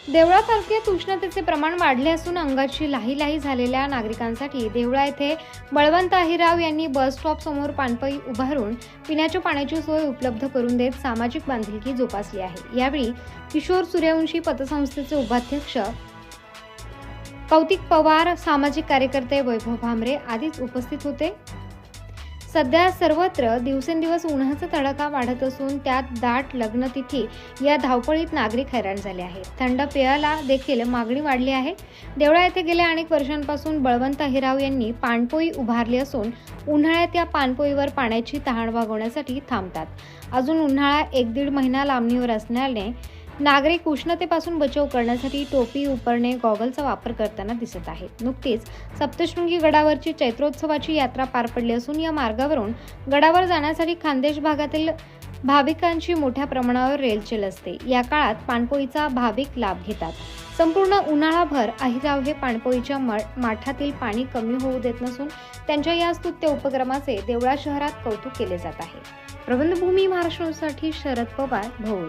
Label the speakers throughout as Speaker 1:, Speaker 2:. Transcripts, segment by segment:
Speaker 1: देवळा तालुक्यात उष्णतेचे प्रमाण वाढले असून अंगाची लाही झालेल्या नागरिकांसाठी देवळा येथे बळवंत अहिराव यांनी बस स्टॉप समोर पाणपई उभारून पिण्याच्या पाण्याची सोय उपलब्ध करून देत सामाजिक बांधिलकी जोपासली आहे। यावेळी किशोर सूर्यवंशी पतसंस्थेचे उपाध्यक्ष कौतिक पवार, सामाजिक कार्यकर्ते वैभव भामरे आदीच उपस्थित होते। सध्या सर्वत्र दिवसेंदिवस उन्हाचा तडाखा वाढत असून त्यात दाट लग्नतिथी या धावपळीत नागरिक हैराण झाले आहेत। थंड पेयाला देखील मागणी वाढली आहे। देवळा येथे गेल्या अनेक वर्षांपासून बळवंत अहिराव यांनी पाणपोई उभारली असून उन्हाळ्यात या पाणपोईवर पाण्याची तहान भागवण्यासाठी थांबतात। अजून उन्हाळा 1-1.5 महिना लांबणीवर असल्याने नागरिक उष्णतेपासून बचाव करण्यासाठी टोपी, उपरणे, गॉगलचा वापर करताना दिसत आहेत। नुकतीच सप्तशृंगी गडावरची चैत्रोत्सवाची यात्रा पार पडली असून या मार्गावरून गडावर जाण्यासाठी खानदेश भागातील भाविकांची मोठ्या प्रमाणावर रेलचेल असते। या काळात पाणपोईचा भाविक लाभ घेतात। संपूर्ण उन्हाळाभर अहिराव हे पाणपोईच्या माठातील पाणी कमी होऊ देत नसून त्यांच्या या स्तुत्य उपक्रमाचे देवळा शहरात कौतुक केले जात आहे। प्रबंधभूमी महाराष्ट्रासाठी शरद पवार, भोर।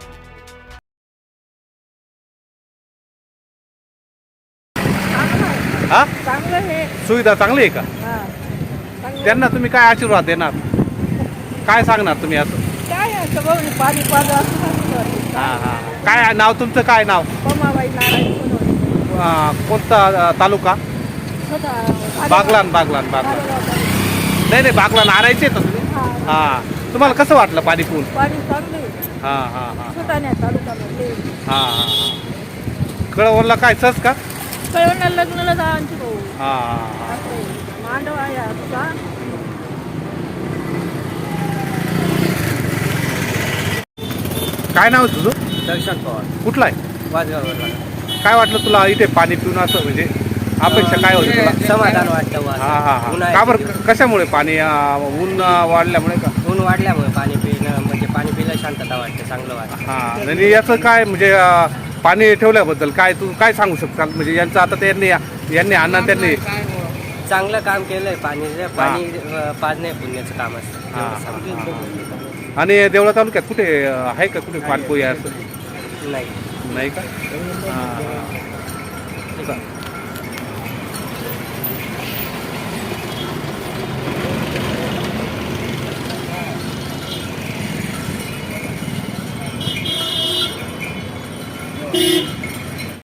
Speaker 2: हा,
Speaker 3: चांगलं हे
Speaker 2: सुविधा चांगली आहे का? त्यांना तुम्ही काय आशीर्वाद देणार, काय सांगणार तुम्ही असं?
Speaker 3: काय असं बघ पाणी पाणी असं
Speaker 2: हा हा, काय नाव तुमचं? काय नाव?
Speaker 3: पमाबाई नारायण सोनवणे.
Speaker 2: कोणता तालुका? बागलान. नाही, बागलान आणायचे तर तुम्ही? हा, तुम्हाला कसं वाटलं पाणी पिऊन?
Speaker 3: पाणी चांगलं आहे.
Speaker 2: हा हा हा
Speaker 3: सुताण्या तालुक्यामध्ये
Speaker 2: हा हा हा, कळवणला काय सच का?
Speaker 3: कळवणला लग्नाला जायची भाऊ.
Speaker 2: हा हा,
Speaker 3: मांडव आहे तुझा.
Speaker 2: काय नाव आहे तुझं?
Speaker 4: दर्शन पवार,
Speaker 2: कुठला आहे?
Speaker 4: वाजगावला.
Speaker 2: काय वाटलं तुला इथे पाणी पिऊन असं, म्हणजे अपेक्षा काय होती तुला?
Speaker 4: समाधान वाटतं.
Speaker 2: हा हा हा, का बरं, कशामुळे? पाणी ऊन वाढल्यामुळे का?
Speaker 4: ऊन वाढल्यामुळे पाणी पिणं म्हणजे पाणी पिलं शांतता वाटते, चांगलं वाटतं.
Speaker 2: हा, आणि याचं काय म्हणजे पाणी ठेवल्याबद्दल काय तू काय सांगू शकता? म्हणजे यांचं आता यांनी अण्णा त्यांनी
Speaker 4: चांगलं काम केलंय. पाणी पाजणे पुण्याचं काम असतं.
Speaker 2: हा,
Speaker 4: एवढं सांगतो.
Speaker 2: आणि देवळा तालुक्यात कुठे आहे का कुठे पाणपोई असं?
Speaker 4: नाही.
Speaker 2: नाही का? हा हा.